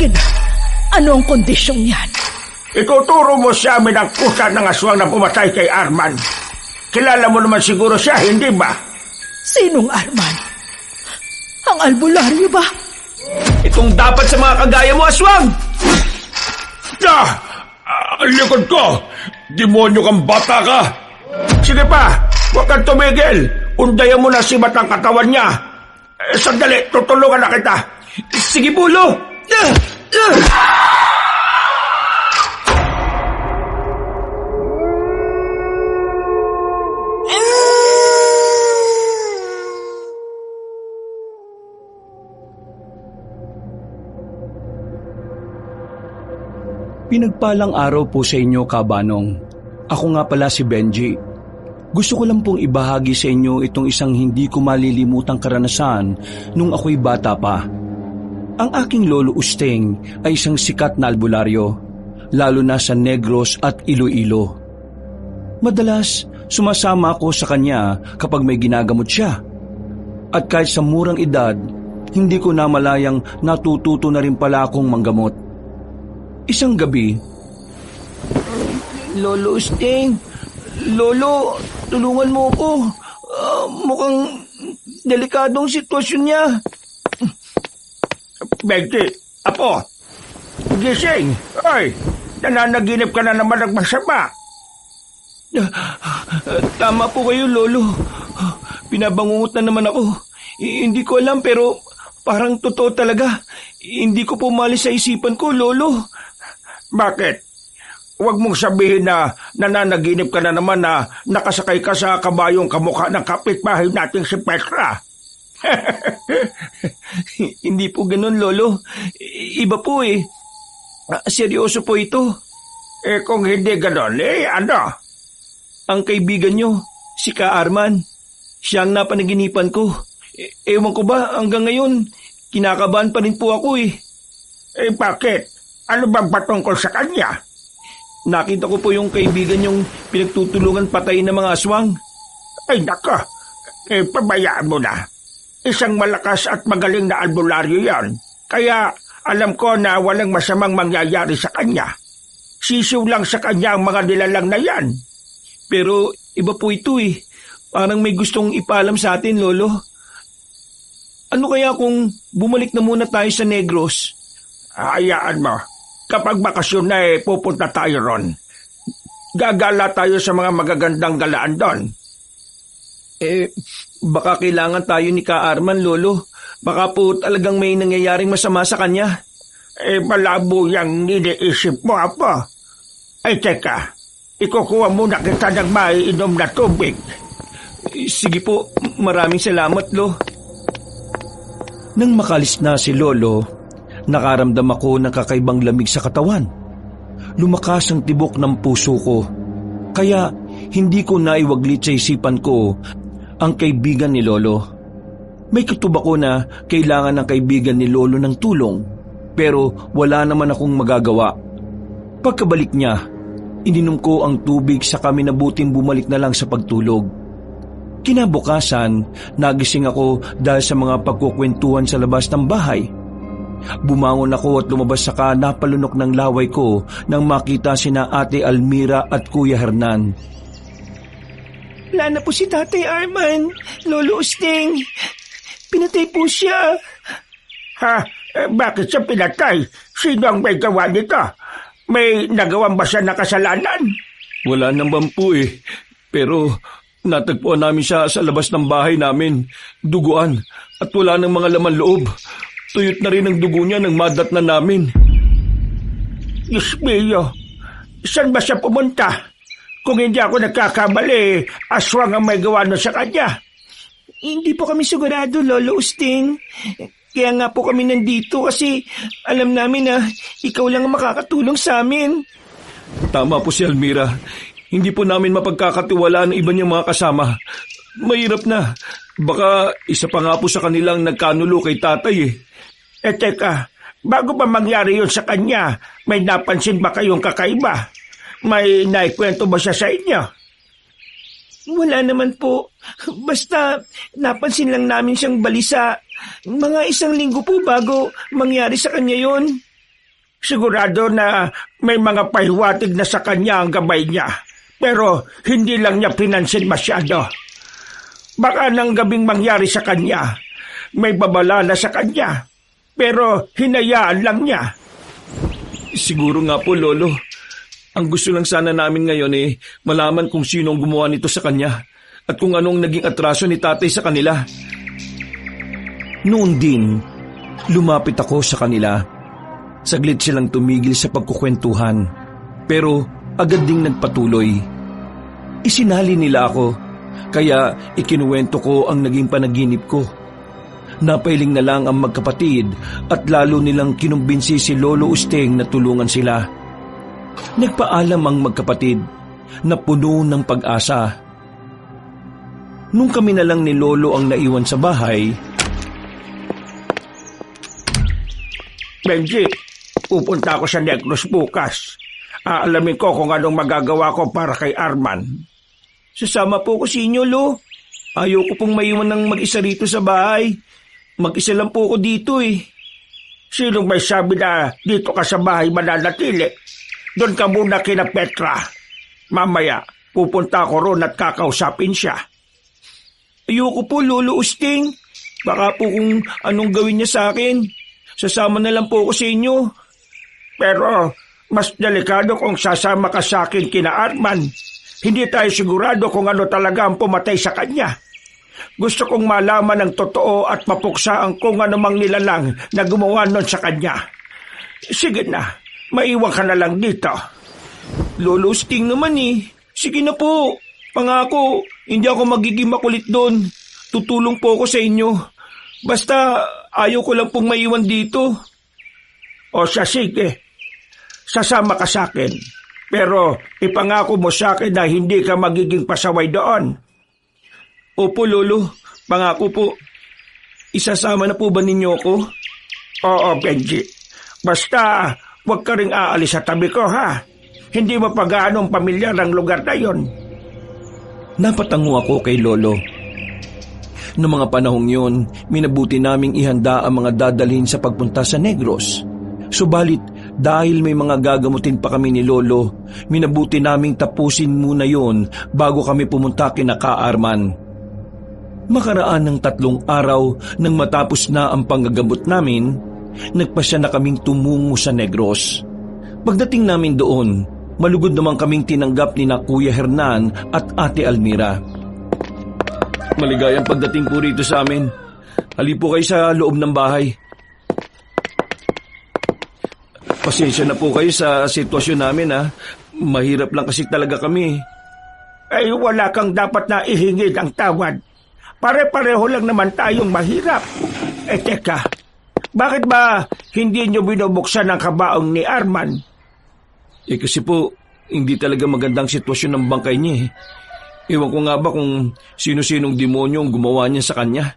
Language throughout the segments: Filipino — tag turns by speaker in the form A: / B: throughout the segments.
A: Sige na, ano ang kondisyong yan?
B: Ituturo mo sa amin ang kusa ng aswang na pumatay kay Arman. Kilala mo naman siguro siya, hindi ba?
A: Sinong Arman? Ang albularyo ba?
C: Itong dapat sa mga kagaya mo, aswang!
B: Ang likod ko! Demonyo kang bata ka! Sige pa, huwag kang tumigil! Undayan mo na si Batang katawan niya! Sandali, tutulungan na kita!
C: Sige, Pulo!
D: Pinagpalang araw po sa inyo, Kabanong. Ako nga pala si Benji. Gusto ko lang pong ibahagi sa inyo itong isang hindi ko malilimutang karanasan nung ako'y bata pa. Ang aking lolo Usteng ay isang sikat na albularyo, lalo na sa Negros at Iloilo. Madalas, sumasama ako sa kanya kapag may ginagamot siya. At kahit sa murang edad, hindi ko namalayang natututo na rin pala akong manggamot. Isang gabi,
C: Lolo Usteng, Lolo, tulungan mo ko. Mukhang delikadong sitwasyon niya.
B: Benji, apo! Gising! Ay, nananaginip ka na naman ng masama.
C: Tama po kayo, Lolo. Pinabangungot na naman ako. Hindi ko alam pero parang totoo talaga. Hindi ko pumalis sa isipan ko, Lolo.
B: Bakit? Huwag mong sabihin na nananaginip ka na naman na nakasakay ka sa kabayong kamukha ng kapitbahay nating si Petra.
C: Hindi po ganun, Lolo. Iba po eh. Seryoso po ito.
B: Kung hindi ganon, ano?
C: Ang kaibigan nyo, si Ka Arman, siya ang napanaginipan ko. Ewan ko ba, hanggang ngayon, kinakabahan pa rin po ako eh.
B: Bakit? Ano bang patungkol sa kanya?
C: Nakita ko po yung kaibigan yung pinagtutulungan patayin ng mga aswang.
B: Ay nako, pabayaan mo na. Isang malakas at magaling na albularyo yan. Kaya alam ko na walang masamang mangyayari sa kanya. Sisiw lang sa kanya ang mga nilalang na yan.
C: Pero iba po ito eh. Parang may gustong ipaalam sa atin, Lolo. Ano kaya kung bumalik na muna tayo sa Negros?
B: Hayaan mo. Kapag bakasyon na pupunta tayo ron. Gagala tayo sa mga magagandang galaan doon.
C: Baka kailangan tayo ni Ka Arman, Lolo. Baka po talagang may nangyayaring masama sa kanya.
B: Malabo yung iniisip mo, Apo. Teka. Ikukuha muna kita ng maiinom na tubig.
C: Sige po, maraming salamat, Lo.
D: Nang makalis na si Lolo, nakaramdam ako ng kakaibang lamig sa katawan. Lumakas ang tibok ng puso ko. Kaya hindi ko naiwaglit sa isipan ko ang kaibigan ni Lolo. May kutub ako na kailangan ng kaibigan ni Lolo ng tulong, pero wala naman akong magagawa. Pagkabalik niya, ininom ko ang tubig sa kami na buting bumalik na lang sa pagtulog. Kinabukasan, nagising ako dahil sa mga pagkukwentuhan sa labas ng bahay. Bumangon ako at lumabas saka napalunok ng laway ko nang makita sina Ate Almira at Kuya Hernan.
C: Wala na po si Tatay Arman, Lolo Usteng. Pinatay po siya.
B: Ha? Bakit siya pinatay? Sino ang may gawa nito? May nagawang ba siya na kasalanan?
C: Wala naman po eh. Pero natagpuan namin siya sa labas ng bahay namin. Duguan at wala ng mga laman loob. Tuyot na rin ang dugo niya nang madat na namin.
B: Diyos mio, saan ba siya pumunta? Kung hindi ako nagkakamali, aswang ang may gawa na sa kanya.
C: Hindi po kami sigurado, Lolo Usteng. Kaya nga po kami nandito kasi alam namin na ikaw lang ang makakatulong sa amin. Tama po si Almira. Hindi po namin mapagkakatiwalaan ang iba niyang mga kasama. Mahirap na. Baka isa pa nga po sa kanilang nagkanulo kay tatay eh.
B: Teka, bago pa mangyari yun sa kanya, may napansin ba kayong kakaiba? May naikwento ba siya sa inyo?
C: Wala naman po. Basta napansin lang namin siyang balisa. Mga 1 linggo po bago mangyari sa kanya yon.
B: Sigurado na may mga pahiwatig na sa kanya ang gabay niya, pero hindi lang niya pinansin masyado. Baka nang gabing mangyari sa kanya, may babala na sa kanya, pero hinayaan lang niya.
D: Siguro nga po, Lolo. Ang gusto lang sana namin ngayon malaman kung sino ang gumawa nito sa kanya at kung anong naging atraso ni tatay sa kanila. Noon din, lumapit ako sa kanila. Saglit silang tumigil sa pagkukwentuhan, pero agad ding nagpatuloy. Isinali nila ako, kaya ikinuwento ko ang naging panaginip ko. Napailing na lang ang magkapatid at lalo nilang kinumbinsi si Lolo Usteng na tulungan sila. Nagpaalam ang magkapatid na puno ng pag-asa. Nung kami na lang ni Lolo ang naiwan sa bahay,
B: Benji, pupunta ako sa Negros bukas. Aalamin ko kung anong magagawa ko para kay Arman.
C: Sasama po ko sa inyo, Lo. Ayoko pong maiwan ng mag-isa rito sa bahay. Mag-isa lang po ako dito
B: Sinong may sabi na dito ka sa bahay mananatili? Doon ka muna kina Petra. Mamaya, pupunta ako roon at kakausapin siya.
C: Ayoko po, Lolo Usteng. Baka po kung anong gawin niya sa akin. Sasama na lang po ako sa inyo.
B: Pero mas delikado kung sasama ka sa akin kina Arman. Hindi tayo sigurado kung ano talaga ang pumatay sa kanya. Gusto kong malaman ng totoo at mapuksa ang kung anumang nilalang na gumawa nun sa kanya. Sige na, maiwan ka na lang dito.
C: Lolo Usteng naman Sige na po. Pangako, hindi ako magiging makulit doon. Tutulong po ako sa inyo. Basta ayaw ko lang pong maiwan dito.
B: O siya, sige. Sasama ka sa akin. Pero ipangako mo sa akin na hindi ka magiging pasaway doon.
C: Opo, Lolo. Pangako po. Isasama na po ba ninyo ako?
B: Oo, Benji. Basta huwag ka ring aalis sa tabi ko, ha? Hindi mo pa gaanong pamilyar ang lugar na yon.
D: Napatango ako kay Lolo. Noong mga panahong yun, minabuti naming ihanda ang mga dadalhin sa pagpunta sa Negros. Subalit, dahil may mga gagamutin pa kami ni Lolo, minabuti naming tapusin muna yon bago kami pumunta kina Ka-Arman. Makaraan ng 3 araw nang matapos na ang panggagamot namin, nagpasya na kaming tumungo sa Negros. Pagdating namin doon, malugod naman kaming tinanggap ni na Kuya Hernan at Ate Almira. Maligayang pagdating po rito sa amin. Hali po kayo sa loob ng bahay. Pasensya na po kayo sa sitwasyon namin Mahirap lang kasi talaga kami.
B: Ay wala kang dapat na ihingi ng tawad. Pare-pareho lang naman tayong mahirap. Teka, bakit ba hindi nyo binubuksan ang kabaong ni Arman?
D: Kasi po, hindi talaga magandang sitwasyon ng bangkay niya Ewan ko nga ba kung sino-sinong demonyo ang gumawa niya sa kanya.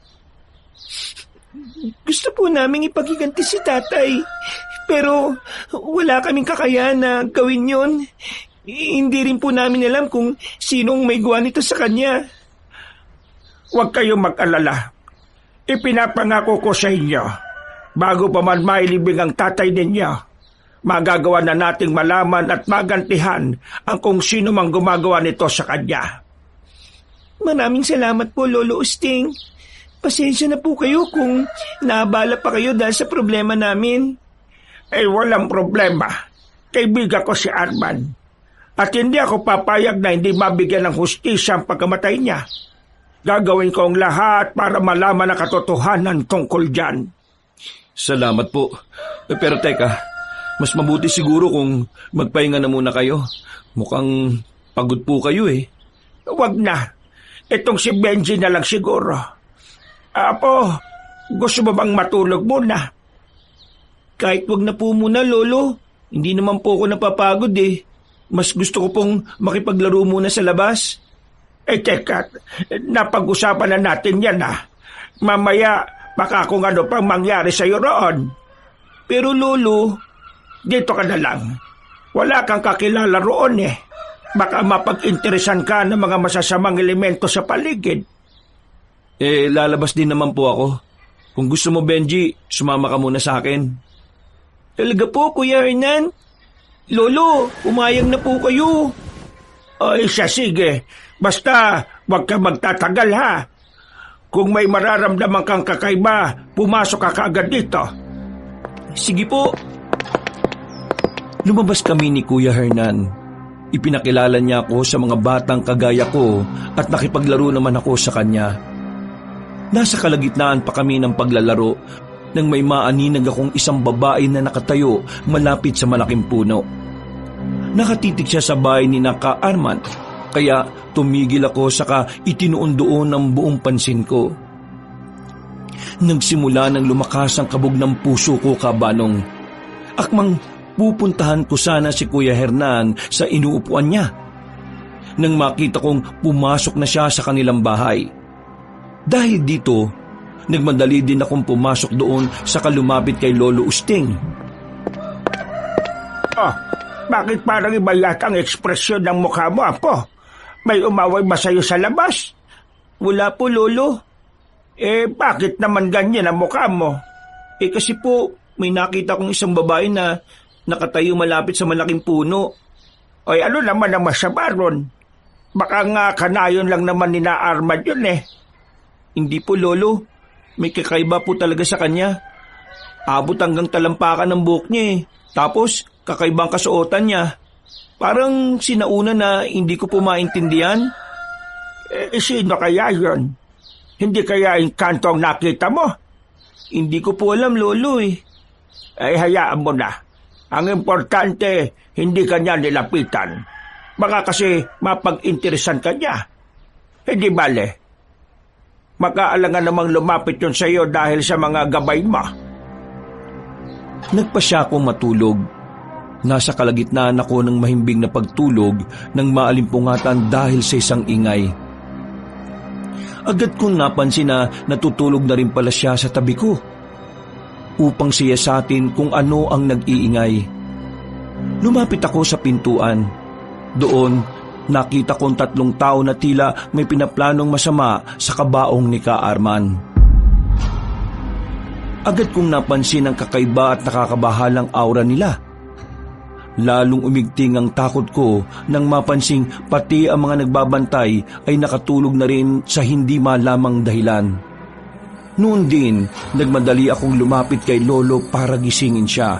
C: Gusto po naming ipagiganti si tatay. Pero wala kaming kakayahan na gawin yon. Hindi rin po namin alam kung sinong may gawa nito sa kanya.
B: Huwag kayong mag-alala. Ipinapangako ko sa inyo, bago pa man mailibing ang tatay ninyo, magagawa na nating malaman at magantihan ang kung sino mang gumagawa nito sa kanya.
C: Maraming salamat po, Lolo Usteng. Pasensya na po kayo kung naabala pa kayo dahil sa problema namin.
B: Walang problema. Kaibigan ko si Arman. At hindi ako papayag na hindi mabigyan ng hustisya ang pagkamatay niya. Gagawin ko ang lahat para malaman ang katotohanan tungkol dyan.
D: Salamat po. Pero teka, mas mabuti siguro kung magpahinga na muna kayo. Mukhang pagod po kayo
B: Huwag na. Itong si Benji na lang siguro. Apo, gusto mo bang matulog muna?
C: Kahit wag na po muna, Lolo. Hindi naman po ako napapagod Mas gusto ko pong makipaglaro muna sa labas.
B: Teka, napag-usapan na natin yan Mamaya, baka kung ano pang mangyari sa'yo roon.
C: Pero Lolo,
B: dito ka na lang. Wala kang kakilala roon Baka mapag-interesan ka ng mga masasamang elemento sa paligid.
D: Lalabas din naman po ako. Kung gusto mo, Benji, sumama ka muna sa akin.
C: Talaga po, Kuya Hernan? Lolo, umayag na po kayo.
B: O siya, sige. Basta huwag ka magtatagal ha. Kung may mararamdaman kang kakaiba, pumasok ka kaagad dito.
C: Sige po.
D: Lumabas kami ni Kuya Hernan. Ipinakilala niya ako sa mga batang kagaya ko at nakipaglaro naman ako sa kanya. Nasa kalagitnaan pa kami ng paglalaro nang may maaninag akong isang babae na nakatayo malapit sa malaking puno. Nakatitig siya sa bahay ni Naka Arman, kaya tumigil ako saka itinuon doon ang buong pansin ko. Nagsimula ng lumakas ang kabog ng puso ko, kabanong. Akmang pupuntahan ko sana si Kuya Hernan sa inuupuan niya. Nang makita kong pumasok na siya sa kanilang bahay. Dahil dito, nagmadali din akong pumasok doon sa kalumapit kay Lolo Usting.
B: Bakit parang iba yata ang ekspresyon ng mukha mo, Apo? May umaway ba sa'yo sa labas?
C: Wala po, Lolo.
B: Bakit naman ganyan ang mukha mo?
C: Kasi po, may nakita kong isang babae na nakatayo malapit sa malaking puno.
B: Ay, ano naman ang masama ron? Baka nga kanayon lang naman ni na Arman yun eh.
C: Hindi po, Lolo. May kakaiba po talaga sa kanya. Abot hanggang talampakan ng buhok niya eh. Tapos, kakaibang kasuotan niya. Parang sinauna na hindi ko po maintindihan.
B: Sino kaya yun? Hindi kaya yung kanto ang nakita mo?
C: Hindi ko po alam, Lolo eh.
B: Hayaan mo na. Ang importante, hindi ka niya nilapitan. Baka kasi mapag-interesan ka niya. Hindi bale. Makaalangan namang lumapit yun sa iyo dahil sa mga gabay mo.
D: Nagpasya akong matulog. Nasa kalagitnaan ako ng mahimbing na pagtulog ng maalimpungatan dahil sa isang ingay. Agad kong napansin na natutulog na rin pala siya sa tabi ko. Upang siyasatin kung ano ang nag-iingay. Lumapit ako sa pintuan. Doon, nakita kong 3 tao na tila may pinaplanong masama sa kabaong ni Ka Arman. Agad kong napansin ang kakaiba at nakakabahalang aura nila. Lalong umigting ang takot ko nang mapansing pati ang mga nagbabantay ay nakatulog na rin sa hindi malamang dahilan. Noon din, nagmadali akong lumapit kay Lolo para gisingin siya.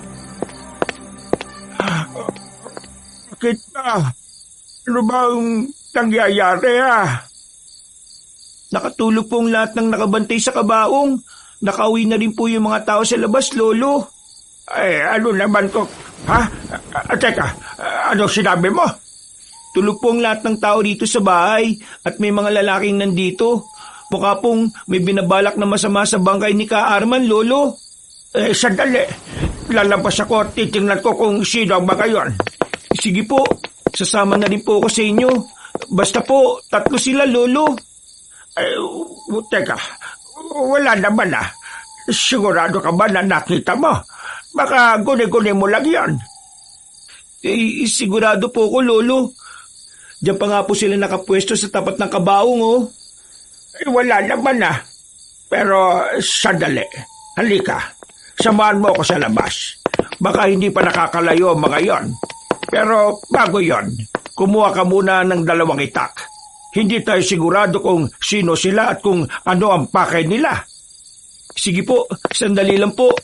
B: Bakit ba? Ano bang nangyayari
C: Nakatulog pong lahat ng nakabantay sa kabaong. Nakauwi na rin po yung mga tao sa labas, Lolo.
B: Ano naman ko? Teka, ano sinabi mo?
C: Tulog pong lahat ng tao dito sa bahay at may mga lalaking nandito. Mukha pong may binabalak na masama sa bangkay ni Ka Arman, Lolo.
B: Sandali. Lalabas ako at titingnan ko kung sino ang mga yon.
C: Sige po, sasama na rin po ako sa inyo. Basta po, 3 sila, Lolo.
B: Teka, wala naman Sigurado ka ba na nakita mo? Baka guni-guni mo lang yan.
C: Sigurado po ko, Lolo. Diyan pa nga po sila nakapwesto sa tapat ng kabaong, oh.
B: Wala naman Pero sandali. Halika. Samahan mo ako sa labas. Baka hindi pa nakakalayo mga yon. Pero bago yon, kumuha ka muna ng 2 itak. Hindi tayo sigurado kung sino sila at kung ano ang pakay nila.
C: Sige po, sandali lang po.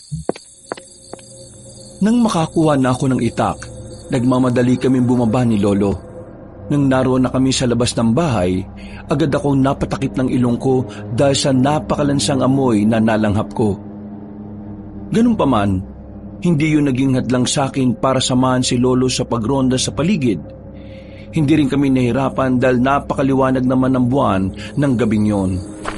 D: Nang makakuha na ako ng itak, nagmamadali kaming bumaba ni Lolo. Nang naroon na kami sa labas ng bahay, agad akong napatakip ng ilong ko dahil sa napakalansang amoy na nalanghap ko. Ganun pa man, hindi yun naging hadlang sa akin para samahan si Lolo sa pagronda sa paligid. Hindi rin kami nahirapan dahil napakaliwanag naman ng buwan ng gabing yon.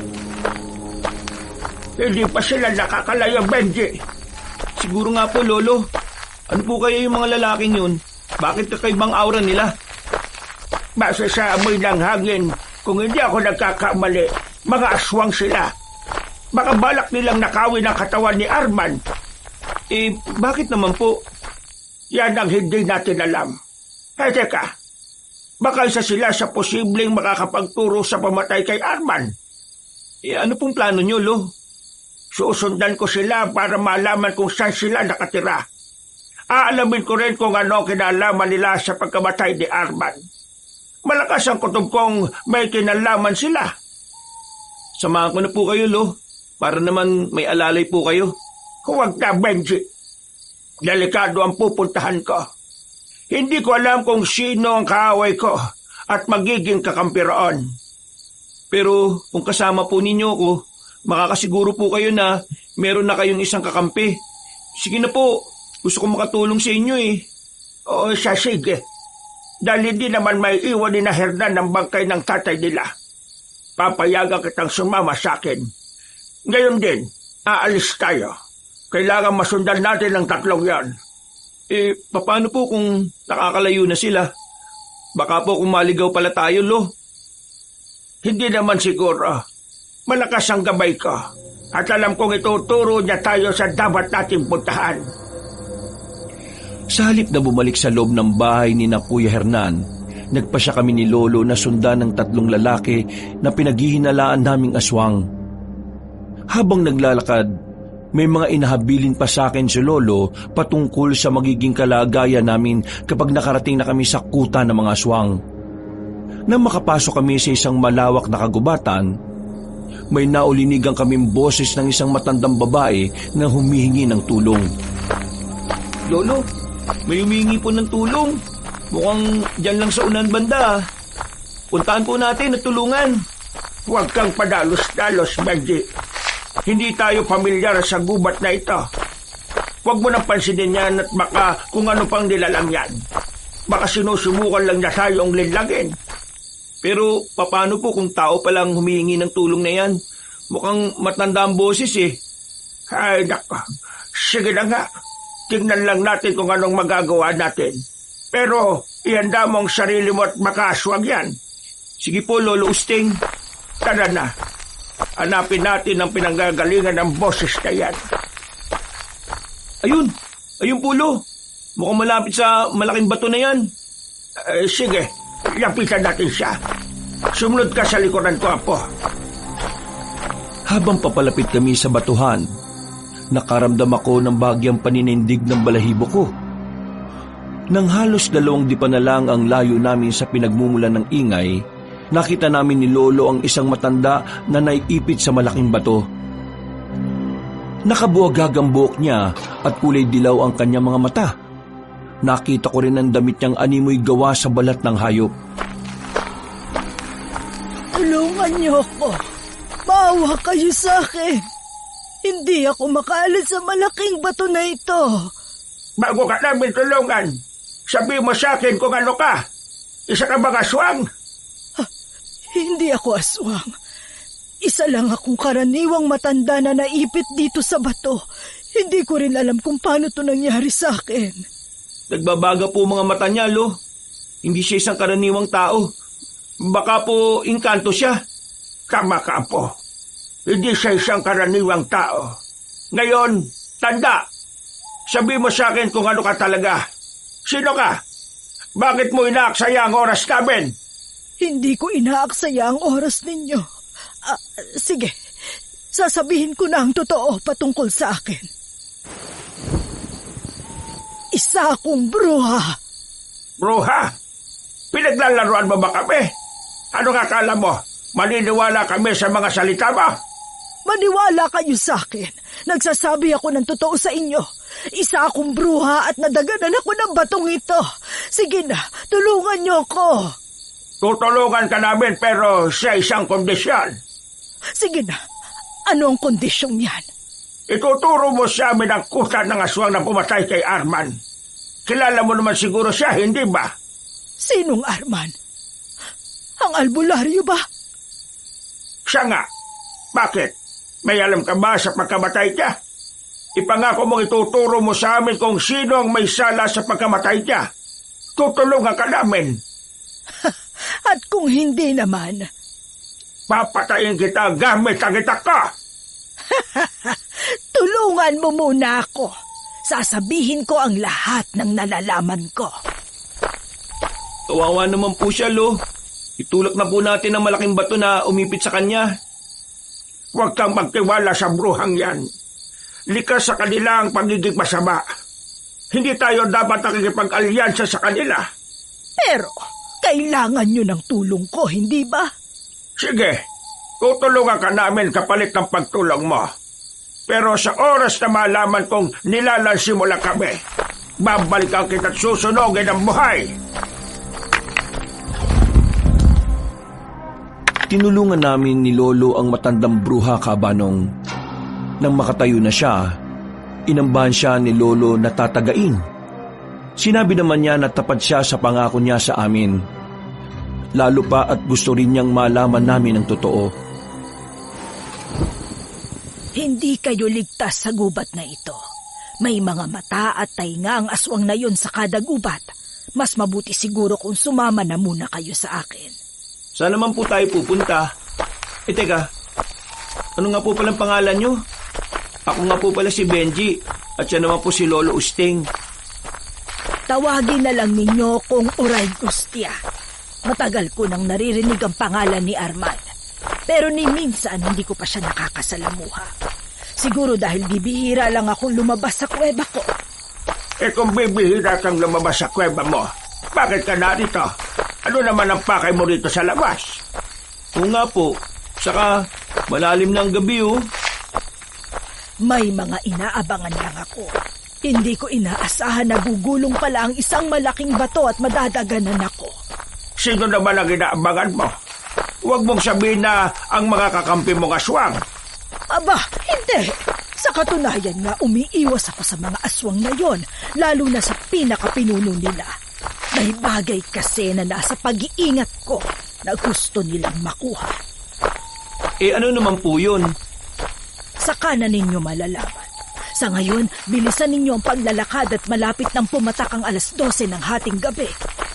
B: Hindi pa sila nakakalayo, Benji.
C: Siguro nga po, Lolo. Ano po kaya yung mga lalaking yun? Bakit kakaibang aura nila?
B: Base sa amoy ng hangin, kung hindi ako nagkakamali, mga aswang sila. Baka balak nilang nakawin ang katawan ni Arman.
C: Bakit naman po?
B: Yan ang hindi natin alam. Teka, baka isa sila sa posibleng makakapagturo sa pamatay kay Arman.
C: Ano pong plano nyo, Lo?
B: Susundan ko sila para malaman kung saan sila nakatira. Aalamin ko rin kung ano kinalaman nila sa pagkamatay ni Arman. Malakas ang kutob kong may kinalaman sila.
C: Samahan ko na po kayo, Lo. Para naman may alalay po kayo.
B: Huwag na, Benji. Delikado ang pupuntahan ko. Hindi ko alam kung sino ang kaaway ko at magiging kakampi roon.
C: Pero kung kasama po ninyo ko, makakasiguro po kayo na meron na kayong isang kakampi. Sige na po, gusto ko makatulong sa inyo eh.
B: Oo, sige. Dahil hindi naman may iwan ni na Hernan ng bangkay ng tatay nila. Papayagan kitang sumama sa akin. Ngayon din, aalis tayo. Kailangan masundan natin ang tatlong yan.
C: Paano po kung nakakalayo na sila? Baka po kung maligaw pala tayo, Lo.
B: Hindi naman siguro. Malakas ang gabay ko. At alam kong ituturo niya tayo sa dapat nating puntahan.
D: Sa halip na bumalik sa loob ng bahay ni na Kuya Hernan, nagpasya kami ni Lolo na sundan ng tatlong lalaki na pinaghihinalaan naming aswang. Habang naglalakad, may mga inahabilin pa sa akin si Lolo patungkol sa magiging kalagayan namin kapag nakarating na kami sa kuta ng mga aswang. Nang makapasok kami sa isang malawak na kagubatan, may naulinigang kaming boses ng isang matandang babae na humihingi ng tulong.
C: Lolo, may humihingi po ng tulong. Mukhang dyan lang sa unan banda. Puntaan po natin at tulungan.
B: Huwag kang padalos-dalos, Benji. Hindi tayo pamilyar sa gubat na ito. Huwag mo nang pansinin yan at baka kung ano pang nilalang yan. Baka sinusubukan lang niya tayong linlagin.
C: Pero paano po kung tao palang humihingi ng tulong na yan? Mukhang matanda ang boses eh.
B: Ay, nako. Sige na nga. Tingnan lang natin kung anong magagawa natin. Pero ihanda mo ang sarili mo at makaswag yan.
C: Sige po, Lolo Usting.
B: Tara na. Hanapin natin ang pinanggagalingan ng boses na yan.
C: Ayun! Ayun po, Lo. Mukhang malapit sa malaking bato na yan.
B: Sige, lapitan natin siya. Sumunod ka sa likuran ko, Apo.
D: Habang papalapit kami sa batuhan, nakaramdam ako ng bagyang paninindig ng balahibo ko. Nang halos 2 dipa na lang ang layo namin sa pinagmumulan ng ingay, nakita namin ni Lolo ang isang matanda na naiipit sa malaking bato. Nakabuwagag ang buhok niya at kulay dilaw ang kanyang mga mata. Nakita ko rin ang damit niyang animoy gawa sa balat ng hayop.
A: Tulungan niyo ako. Maawa kayo sa akin. Hindi ako makaalis sa malaking bato na ito.
B: Bago ka namin tulungan, sabi mo sa akin kung ano ka. Isa ka bang aswang?
A: Hindi ako aswang. Isa lang akong karaniwang matanda na naipit dito sa bato. Hindi ko rin alam kung paano to nangyari sa akin.
C: Nagbabaga po mga mata niya, Lo. Hindi siya isang karaniwang tao. Baka po inkanto siya.
B: Tama ka, Apo. Hindi siya isang karaniwang tao. Ngayon, tanda. Sabi mo sa akin kung ano ka talaga. Sino ka? Bakit mo inaaksaya ang oras namin?
A: Hindi ko inaaksaya ang oras ninyo. Sige, sasabihin ko na ang totoo patungkol sa akin. Isa akong bruha.
B: Bruha? Pinaglalaroan mo ba kami? Ano akala mo? Maniniwala kami sa mga salita mo?
A: Maniwala kayo sa akin. Nagsasabi ako ng totoo sa inyo. Isa akong bruha at nadaganan ako ng batong ito. Sige na, tulungan niyo ako.
B: Tutulungan ka namin pero sa isang kondisyon.
A: Sige na, ano ang kondisyong yan?
B: Ituturo mo sa amin ang kuta ng aswang na pumatay kay Arman. Kilala mo naman siguro siya, hindi ba?
A: Sinong Arman? Ang albularyo ba?
B: Siya nga. Bakit? May alam ka ba sa pagkamatay niya? Ipangako mong ituturo mo sa amin kung sino ang may sala sa pagkamatay niya. Tutulungan ka namin.
A: At kung hindi naman,
B: papatayin kita gamit ang itak ka.
A: tulungan mo muna ako. Sasabihin ko ang lahat ng nalalaman ko.
C: Kawawa naman po siya, Lo. Itulak na po natin ang malaking bato na umipit sa kanya.
B: Huwag kang magtiwala sa bruhang yan. Likas sa kanila ang pagiging masama. Hindi tayo dapat nakikipag-alyansa sa kanila.
A: Pero, kailangan nyo ng tulong ko, hindi ba?
B: Sige, tutulungan ka namin kapalit ng pagtulong mo. Pero sa oras na malaman kong nilalansimula kami, babalikan kita't susunogin ang buhay.
D: Tinulungan namin ni Lolo ang matandang bruha kabanong. Nang makatayo na siya, inambahan siya ni Lolo na tatagain. Sinabi naman niya na tapat siya sa pangako niya sa amin. Lalo pa at gusto rin niyang malaman namin ang totoo.
A: Hindi kayo ligtas sa gubat na ito. May mga mata at tainga ang aswang na yun sa kada gubat. Mas mabuti siguro kung sumama na muna kayo sa akin.
C: Saan naman po tayo pupunta? Teka, ano nga po palang pangalan nyo? Ako nga po pala si Benji at siya naman po si Lolo Usting.
A: Tawagin na lang ninyo kung Uray Gustia. Matagal ko nang naririnig ang pangalan ni Arman. Pero ni minsan hindi ko pa siya nakakasalamuha. Siguro dahil bibihira lang akong lumabas sa kuweba ko.
B: Kung bibihira kang lumabas sa kuweba mo, bakit ka narito? Ano naman ang pakay mo rito sa labas?
C: Oo nga po, saka malalim na ang gabi oh.
A: May mga inaabangan lang ako. Hindi ko inaasahan na gugulong pala ang isang malaking bato at madadaganan ako.
B: Sino naman ang inaabangan mo? Huwag mong sabihin na ang mga kakampi mong aswang.
A: Aba, hindi. Sa katunayan nga, umiiwas ako sa mga aswang na yon, lalo na sa pinakapinuno nila. May bagay kasi na nasa pag-iingat ko na gusto nilang makuha.
C: Ano naman po yun?
A: Saka na ninyo malalaman. Sa ngayon, bilisan ninyo ang paglalakad at malapit nang pumatak ang 12:00 ng hating gabi.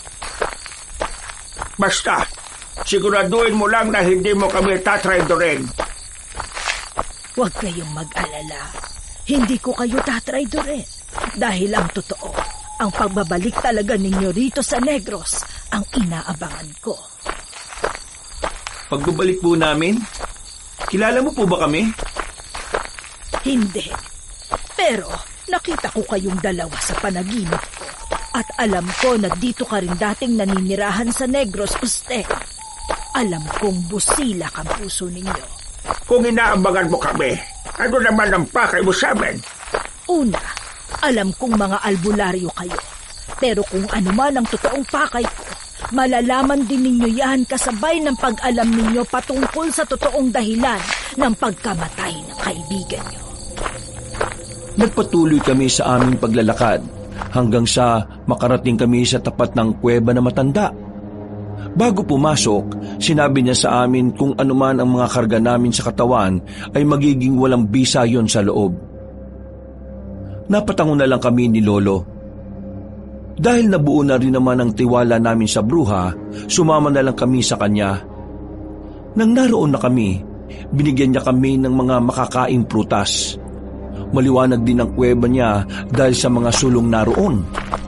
B: Basta, siguraduhin mo lang na hindi mo kami tatraydorin.
A: Huwag kayong mag-alala. Hindi ko kayo tatraydorin. Dahil ang totoo, ang pagbabalik talaga ninyo rito sa Negros ang inaabangan ko.
C: Pagbabalik po namin? Kilala mo po ba kami?
A: Hindi. Pero nakita ko kayong dalawa sa panaginip ko. At alam ko na dito ka rin dating naninirahan sa Negros, Uste. Alam kong busilak ang puso ninyo.
B: Kung inaabangan mo kami, ano naman ang pakay mo sa amin?
A: Una, alam kong mga albularyo kayo. Pero kung ano man ang totoong pakay ko, malalaman din ninyo yan kasabay ng pag-alam ninyo patungkol sa totoong dahilan ng pagkamatay ng kaibigan nyo.
D: Nagpatuloy kami sa aming paglalakad hanggang sa makarating kami sa tapat ng kuweba na matanda. Bago pumasok, sinabi niya sa amin kung anuman ang mga karga namin sa katawan ay magiging walang bisa yon sa loob. Napatango na lang kami ni Lolo. Dahil nabuo na rin naman ang tiwala namin sa bruha, sumama na lang kami sa kanya. Nang naroon na kami, binigyan niya kami ng mga makakaing prutas. Maliwanag din ang kuweba niya dahil sa mga sulong naroon.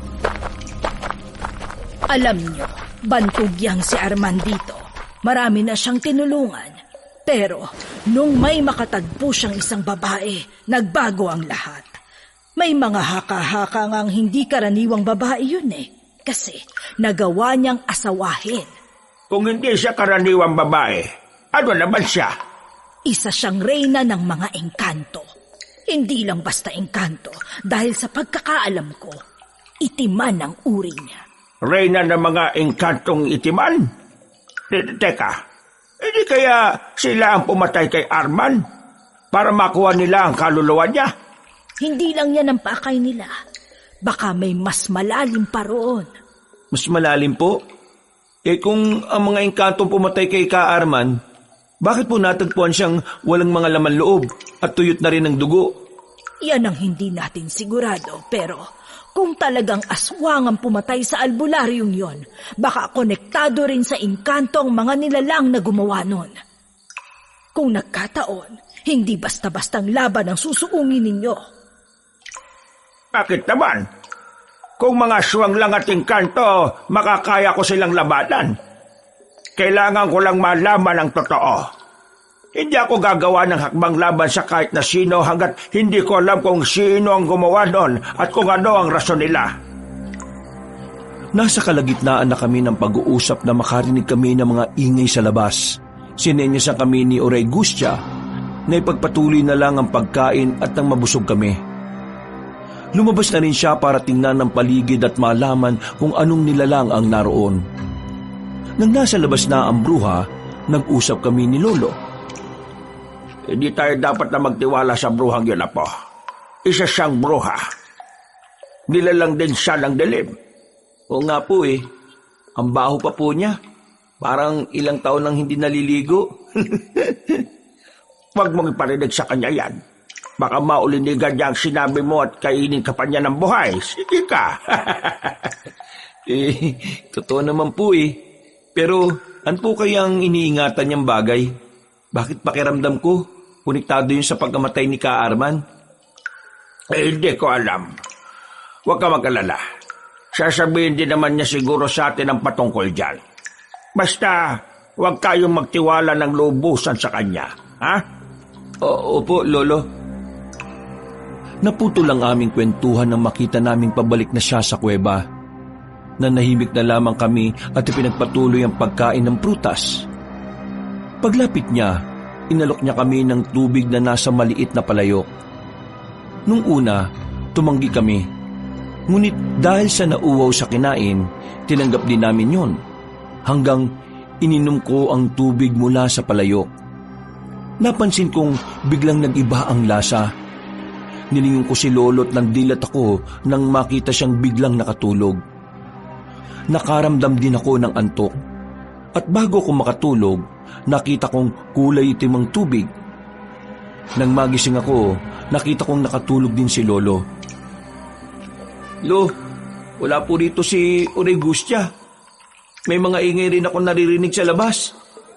A: Alam niyo, bantugyang si Arman dito. Marami na siyang tinulungan. Pero nung may makatagpo siyang isang babae, nagbago ang lahat. May mga haka-haka ngang hindi karaniwang babae yun kasi nagawa niyang asawahin.
B: Kung hindi siya karaniwang babae, ano naman siya?
A: Isa siyang reyna ng mga engkanto. Hindi lang basta engkanto dahil sa pagkakaalam ko, itiman ang uri niya.
B: Reyna ng mga engkantong itiman? Teka, hindi kaya sila ang pumatay kay Arman para makuha nila ang kaluluwa niya?
A: Hindi lang yan ang pakay nila. Baka may mas malalim pa roon.
C: Mas malalim po? Kung ang mga engkantong pumatay kay Ka Arman, bakit po natagpuan siyang walang mga laman loob at tuyot na rin ng dugo?
A: Yan ang hindi natin sigurado, pero kung talagang aswang ang pumatay sa albularyong yon, baka konektado rin sa engkanto ang mga nilalang na gumawa nun. Kung nagkataon, hindi basta-bastang laban ang susuungin ninyo.
B: Bakit naman? Kung mga aswang lang at engkanto, makakaya ko silang labanan. Kailangan ko lang malaman ang totoo. Hindi ako gagawa ng hakbang laban sa kahit na sino hanggat hindi ko alam kung sino ang gumawa nun at kung ano ang rason nila.
D: Nasa kalagitnaan na kami ng pag-uusap na makarinig kami ng mga ingay sa labas. Sinenyasan kami ni Oray Gustia na ipagpatuloy na lang ang pagkain at nang mabusog kami. Lumabas na rin siya para tingnan ng paligid at malaman kung anong nilalang ang naroon. Nang nasa labas na ang bruha, nag-usap kami ni Lolo.
B: Hindi tayo dapat na magtiwala sa bruhang yun, Apo. Isa siyang bruha. Nilalang din siya ng dilim.
D: Oo nga po eh. Ang baho pa po niya. Parang ilang taon nang hindi naliligo.
B: Huwag mong iparinig sa kanya yan. Baka maulinigan niya ang sinabi mo at kainin ka pa niya ng buhay. Sige ka.
D: Totoo naman po eh. Pero ano po kayang iniingatan niyang bagay? Bakit pakiramdam ko? Konektado yun sa pagkamatay ni Ka Arman?
B: Hindi ko alam. Huwag ka mag-alala. Sasabihin din naman niya siguro sa atin ang patungkol dyan. Basta, huwag kayong magtiwala ng lubusan sa kanya. Ha?
D: Opo, Lolo. Naputo lang aming kwentuhan nang makita naming pabalik na siya sa kuweba. Nanahimik na lamang kami at ipinagpatuloy ang pagkain ng prutas. Paglapit niya, inalok niya kami ng tubig na nasa maliit na palayok. Nung una, tumanggi kami. Ngunit dahil sa nauwaw sa kinain, tinanggap din namin yon. Hanggang ininom ko ang tubig mula sa palayok. Napansin kong biglang nag-iba ang lasa. Nilingon ko si Lolo't nandilat ako nang makita siyang biglang nakatulog. Nakaramdam din ako ng antok. At bago ko makatulog, nakita kong kulay itim ang tubig. Nang magising ako, nakita kong nakatulog din si Lolo. Lo, wala po rito si Oray Gustia. May mga ingay rin ako naririnig sa labas.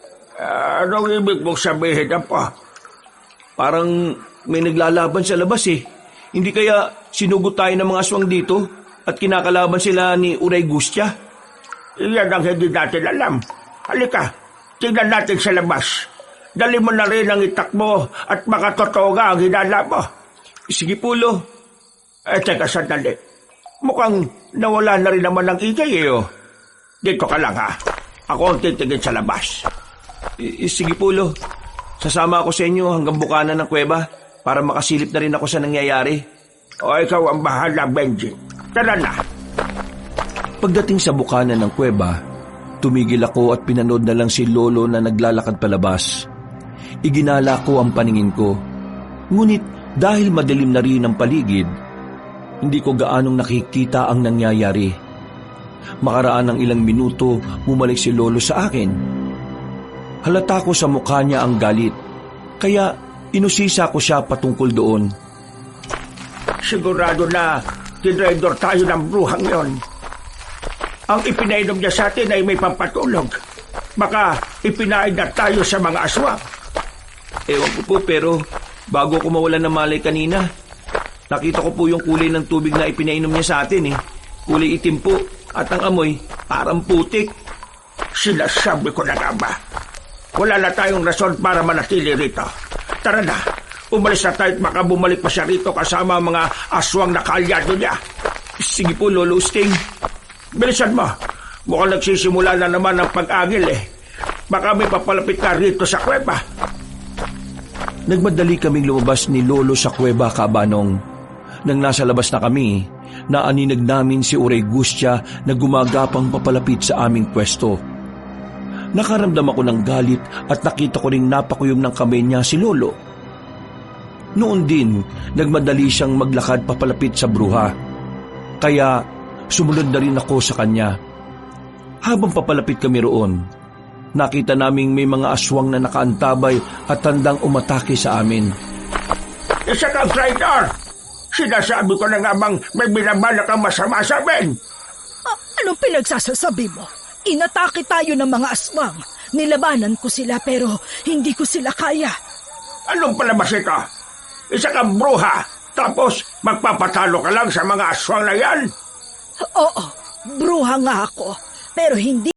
B: Anong ibig mong sabihin, Apo?
D: Parang may naglalaban sa labas eh. Hindi kaya sinugot tayo ng mga aswang dito at kinakalaban sila ni Oray Gustia?
B: Iyan ang hindi natin alam. Halika, tingnan natin sa labas. Dali mo na rin ang itak mo at makatotoo nga ang hinala mo.
D: Sige po, Lo.
B: Teka, sandali. Mukhang nawala na rin naman ang ingay eh. Dito ka lang ha. Ako ang titigil sa labas.
D: Sige po, Lo. Sasama ako sa inyo hanggang bukana ng kuweba para makasilip na rin ako sa nangyayari.
B: O ikaw ang bahala, Benji. Tara na.
D: Pagdating sa bukana ng kuweba, tumigil ako at pinanood na lang si Lolo na naglalakad palabas. Iginala ko ang paningin ko. Ngunit dahil madilim na rin ang paligid, hindi ko gaanong nakikita ang nangyayari. Makaraan ng ilang minuto, bumalik si Lolo sa akin. Halata ko sa mukha niya ang galit, kaya inusisa ko siya patungkol doon.
B: Sigurado na tinraidor tayo ng bruhang yon. Ang ipinainom niya sa atin ay may pampatulog. Baka ipinain na tayo sa mga aswang.
D: Ewan ko po, pero bago ko mawalan ng malay kanina, nakita ko po yung kulay ng tubig na ipinainom niya sa atin eh. Kulay itim po at ang amoy parang putik.
B: Sinasabi ko na nga ba? Wala na tayong rason para manatili rito. Tara na, umalis na tayo at baka bumalik pa siya rito kasama ang mga aswang na kaalyado niya.
D: Sige po, Lolo Sting.
B: Bilisan mo. Mukhang nagsisimula na naman ang pag-agil eh. Baka may papalapit na rito sa kuweba.
D: Nagmadali kaming lumabas ni Lolo sa kuweba, Kabanong. Nang nasa labas na kami, naaninag namin si Oray Gustia na gumagapang papalapit sa aming pwesto. Nakaramdam ako ng galit at nakita ko ring napakuyom ng kamay niya si Lolo. Noon din, nagmadali siyang maglakad papalapit sa bruha. Kaya sumunod na rin ako sa kanya. Habang papalapit kami roon, nakita naming may mga aswang na nakaantabay at tandang umatake sa amin.
B: Isa kang traitor! Sinasabi ko na nga bang may binabalak kang masama sa amin?
A: Anong pinagsasasabi mo? Inatake tayo ng mga aswang. Nilabanan ko sila pero hindi ko sila kaya.
B: Anong palabas ito? Isa kang bruha, tapos magpapatalo ka lang sa mga aswang na yan?
A: Oo, bruha nga ako, pero hindi